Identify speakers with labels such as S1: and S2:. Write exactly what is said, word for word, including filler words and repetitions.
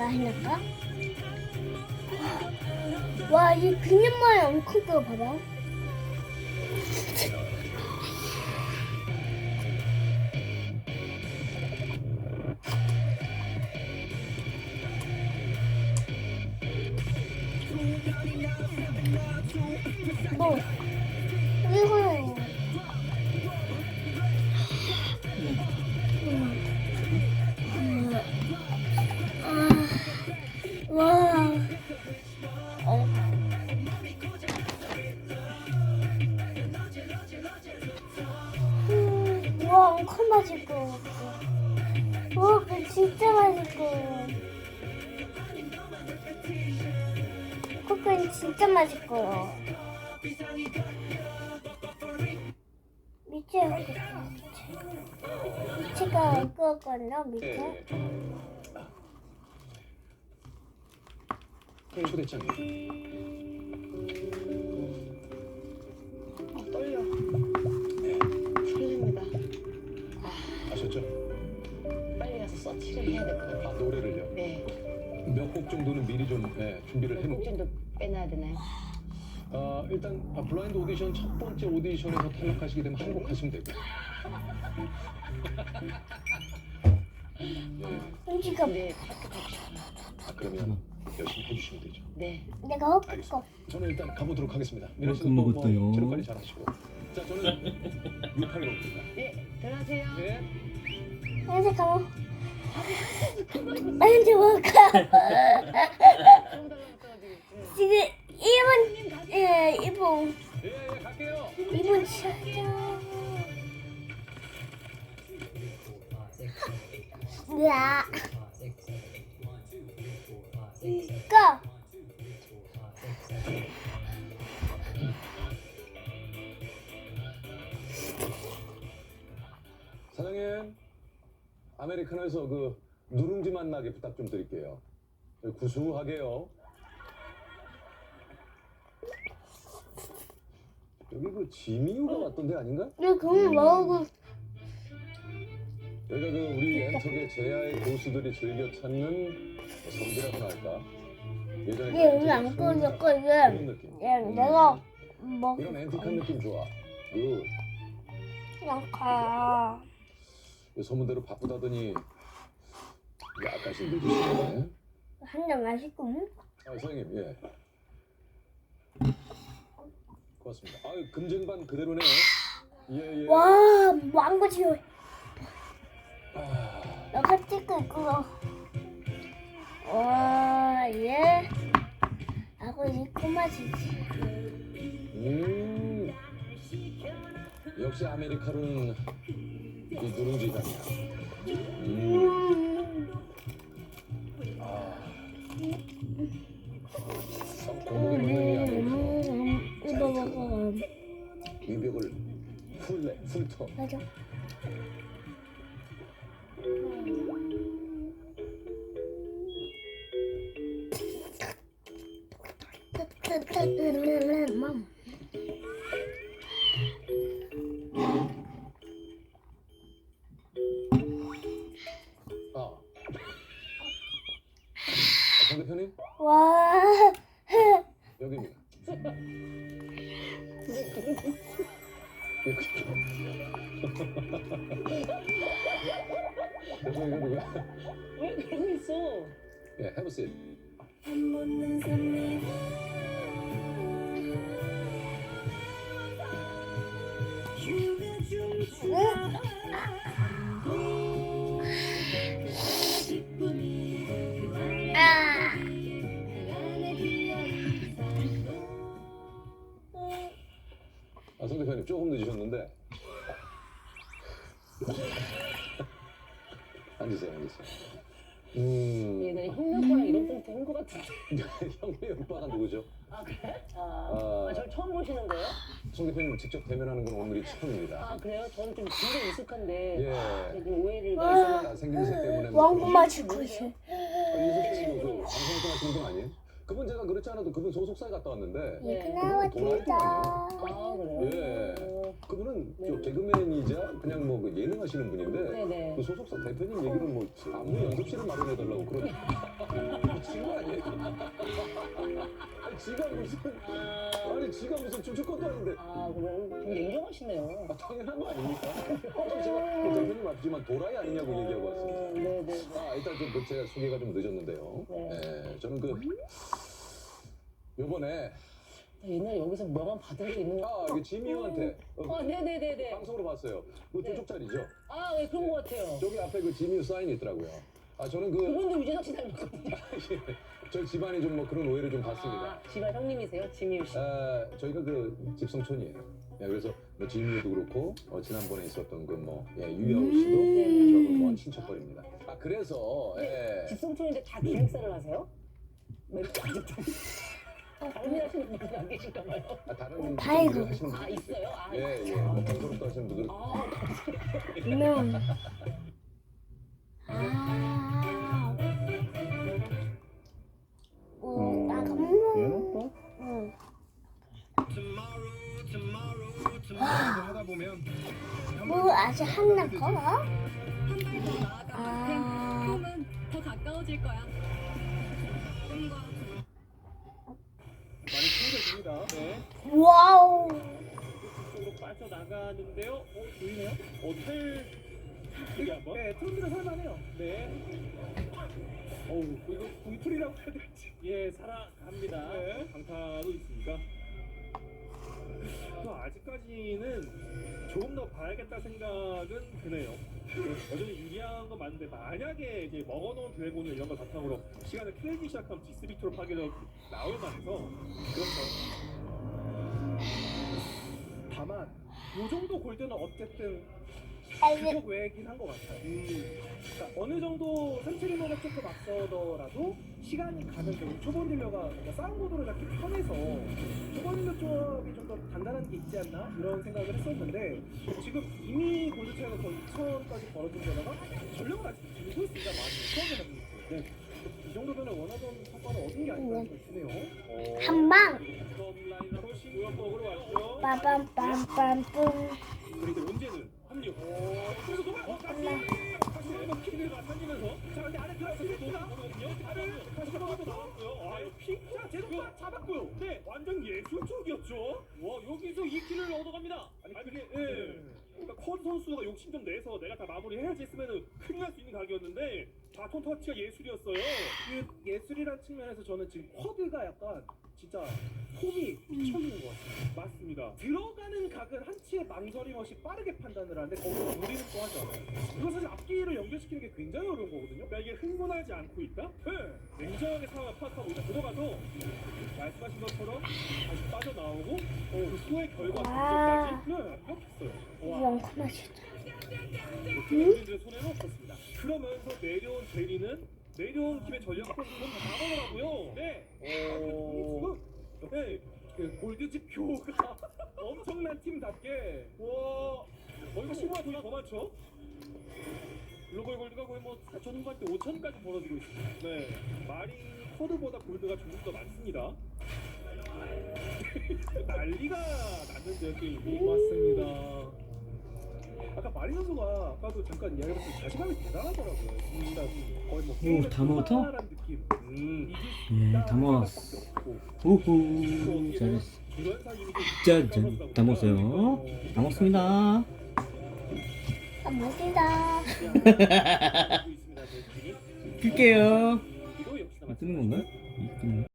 S1: 해놓을까? 와, 이 그냥 모양 엄청 커, 봐봐. 뭐, 이거. 와. 어. 음, 와, 엄청 맛있고. 와, 그 진짜 맛있고. 코코는 진짜 맛있고. 밑에 여기 있어, 밑에. 밑에가 이거거든요, 밑에.
S2: 초대장이요.
S3: 아, 떨려. 네. 떨립니다.
S2: 아셨죠?
S3: 빨리 가서 서치를 해야 될 것 같아요.
S2: 아, 노래를요?
S3: 네.
S2: 몇 곡 정도는 미리 좀 네, 준비를 해놓고.
S3: 곡 정도 빼놔야 되나요?
S2: 아, 일단 아, 블라인드 오디션 첫 번째 오디션에서 탈락하시게 되면 한 곡 하시면 되고. 네.
S1: 음식은
S3: 네, 합격하고 싶어요.
S2: 아, 그러면 열심히 해주시면 되죠.
S3: 네.
S1: 내가 헛고
S2: 알겠습니다. 저는 일단 가보도록 하겠습니다. 미라
S4: 어,
S2: 씨는 또 뭐
S4: 먹었어요.
S2: 체력 관리 잘하시고. 자, 저는 육팔로 옵니다.
S3: 네, 들어가세요.
S2: 네.
S1: 아, 잠깐만. 아니, 저 뭘까? 지금 일 분, 예, 일 분.
S2: 예, 예, 갈게요.
S1: 일 분 시작이야. 으아. 고!
S2: 사장님, 아메리카노에서 그 누룽지 맛 나게 부탁 좀 드릴게요. 구수하게요. 여기 그 지미유가 왔던데 아닌가?
S1: 이거 그만 먹고.
S2: 여기가 그 우리 엔터계 제야의 고수들이 즐겨 찾는 성지라고 할까? 예전에
S1: 얘 오늘 안 꺼졌고, 이게.
S2: 그런 느낌.
S1: 얘 내가 먹.
S2: 이런 앤틱한 느낌 좋아. 그
S1: 약간.
S2: 소문대로 바쁘다더니 약간씩 늦으시네.
S1: 한잔 마시고.
S2: 아, 선생님, 예. 고맙습니다. 아유, 금쟁반 그대로네요. 예, 예.
S1: 와, 망고 지워.
S2: 아,
S1: 너가 찍고 있고. 와, 얘. 하고 이 꼬마지지.
S2: 음. 역시 아메리카노는 이 누룽지 향이야. 음.
S1: 음.
S2: 아. 공복에 먹는 이 안에서
S1: 음, 이거 먹어.
S2: 위벽을 훑내, 훑어.
S1: 맞아. 맘.
S2: 아. 아, 상대편이
S1: 와.
S2: 여기입니다. 그래서 이거 누구야?
S3: 왜 그러고 있어?
S2: 예, have a seat.
S1: 아.
S2: 아, 성 대표님 조금 늦으셨는데. 앉으세요, 앉으세요. 음,
S3: 예전에 흰눈보랑 이런 멘트 한것 같은데.
S2: 형님 오빠가 누구죠?
S3: 아, 그래? 아,
S2: 아.
S3: 아, 저 처음 보시는데요?
S2: 송 대표님 직접 대면하는 건 오늘이 처음입니다.
S3: 아, 그래요? 저는 좀 굉장히 익숙한데.
S2: 예.
S3: 좀 오해를
S1: 와.
S3: 많이
S2: 아, 생김새 때문에. 뭐
S1: 왕고
S2: 그런-
S1: 마시고 있어.
S2: 아, 윤석 씨도 그 방송에서 하시는 분 아니에요? 그분 제가 그렇지 않아도 그분 소속사에 갔다 왔는데
S3: 네.
S1: 이거 나왔다.
S3: 아, 그래요?
S2: 예.
S3: 어,
S2: 그분은
S3: 네.
S2: 저 개그맨이자 그냥 뭐 그 예능 하시는 분인데
S3: 네네.
S2: 그 소속사 대표님 얘기를 뭐 안무 연습실을 마련해달라고 그런 미친 거 아니에요? 아니 지가 무슨 아니 지가 무슨 춤출 것도 아닌데
S3: 아 그럼 되게 냉정하시네요.
S2: 아, 당연한 거 아닙니까? 혹시 제가 그 대표님 앞이지만 도라이 아니냐고 얘기하고 왔습니다.
S3: 어, 네네.
S2: 아 일단 좀 그 제가 소개가 좀 늦었는데요.
S3: 네.
S2: 예, 저는 그 요번에
S3: 옛날에 여기서 명함 받은 게 있는 거.
S2: 아 이게 지미 형한테 어,
S3: 아 네네네네.
S2: 방송으로 봤어요. 그
S3: 네.
S2: 조쪽짜리죠.
S3: 아 네, 그런 거 같아요.
S2: 저기 앞에 그 지미 사인이 있더라고요. 아 저는 그
S3: 그분도 유재석 씨 닮았거든요.
S2: 저희 집안이 좀 뭐 그런 오해를 좀 받습니다.
S3: 아, 집안 형님이세요? 지미유 씨.
S2: 아, 저희가 그 집성촌이에요. 예, 그래서 뭐 지미도 그렇고 어, 지난번에 있었던 그 뭐 예, 유야호 씨도
S3: 네.
S2: 저하고 먼 친척거리입니다. 아 그래서 예.
S3: 집성촌인데 다 기획사를 하세요? 멘트 아직도. 다른 일 하시는 분들 안 계신가 봐요.
S2: 아, 다른
S1: 다행이고.
S2: 분들 하시는
S3: 아
S2: 분들
S3: 있어요? 아
S2: 예, 예. 뭐 방송도 하시는 분들
S3: 아
S1: 음. 아. 어, 나 너무. 응.
S4: 하다 보면
S1: 뭐 아직 한나 걸어?
S5: 한발더 나아가면
S1: 아.
S5: 꿈은 더 가까워질 거야. 꿈과
S4: 많이 챙겨줍니다. 네.
S1: 와우.
S4: 쪽으로 빠져나가는데요. 어, 보이네요? 호텔 여기 한번. 네, 트론드가 살만해요. 네. 어우, 이거 궁풀이라고 해야 될지. 예, 살아갑니다. 네. 강타도 있습니다. 또 아직까지는 조금 더 봐야겠다 생각은 드네요. 여전히 유리한 건 맞는데 만약에 이제 먹어놓은 드래곤을 이런 걸 바탕으로 시간을 클레이지 시작하면 디스비트로 파괴력 나올 만해서 그렇죠. 다만 요 정도 골드는 어쨌든 규격 외긴 한 것 같아요. 음, 그러니까 어느 정도 센트리머가 조금 앞서더라도 시간이 가는 그 초본 딜러가 그러니까 싸움 구도를 잡기 편해서 초본 딜러 조합이 좀 더 단단한 게 있지 않나 이런 생각을 했었는데 지금 이미 골드 차이가 거의 이천까지 벌어진 데다가 전력을 아직 들고 있습니다. 많이 수학에 남는 네. 이 정도면 원하던 성과를 얻은 게 아닌가 싶네요. 어,
S1: 한 방.
S4: 점 라인으로 신구역으로 왔죠.
S1: 빠밤빰빰뿜.
S4: 그리고 문제는 합류. 그래서 노말 어, 다시 다시 한번 킥을 맞춰지면서 자 근데 안에 들어가서 노거든요. 다를 다시 한번 나왔고요. 아, 픽. 자, 제도가 잡았고요. 네, 완전 예술적이었죠. 와, 여기서 이 킬을 얻어갑니다. 아니, 그게 예. 그러니까 컷 선수가 욕심 좀 내서 내가 다 마무리해야지 했으면은 큰일 날 수 있는 각이었는데 바톤 터치가 예술이었어요. 그 예술이란 측면에서 저는 지금 쿼드가 약간 진짜 폼이 미쳐있는 것 같아요. 맞습니다. 들어가는 각은 한치의 망설임 없이 빠르게 판단을 하는데 거기서 무리는 또 하지 않아요. 이거 사실 앞뒤를 연결시키는 게 굉장히 어려운 거거든요. 그러니까 이게 흥분하지 않고 있다? 네. 냉정하게 상황을 파악하고 있다. 들어가서 말씀하신 것처럼 다시 빠져나오고 어, 그 후의 결과
S1: 와.
S4: 분석까지 네, 완벽했어요.
S1: 이런 거 맛있다.
S4: 우리들의 손해는 없었습니다. 그러면서 내려온 제리는 내려온 팀의 전략 선수는 다 나가더라고요. 네. 어... 네. 그 골드집 교가 엄청난 팀답게 와. 어 이거 시구가 돈이 더 많죠? 글로벌 골드가 거의 뭐 사천 후반 때 오천까지 벌어지고 있습니다. 네. 마린 코드보다 골드가 조금 더 많습니다. 난리가 났는데요, 게임이. 맞습니다. 아까 마리 선수가 아까도 잠깐 이야기했듯이 자신감이 대단하더라고요. 진짜 거의 뭐
S6: 오, 다 먹었어?
S4: 끝나라는 느낌. 음.
S6: 예, 다 먹었어. 오호, 잘했어. 짠, 다 먹었어요. 다 먹습니다.
S1: 아, 멋지다.
S6: 끌게요.
S4: 이거 역시나
S6: 뜨는 건가?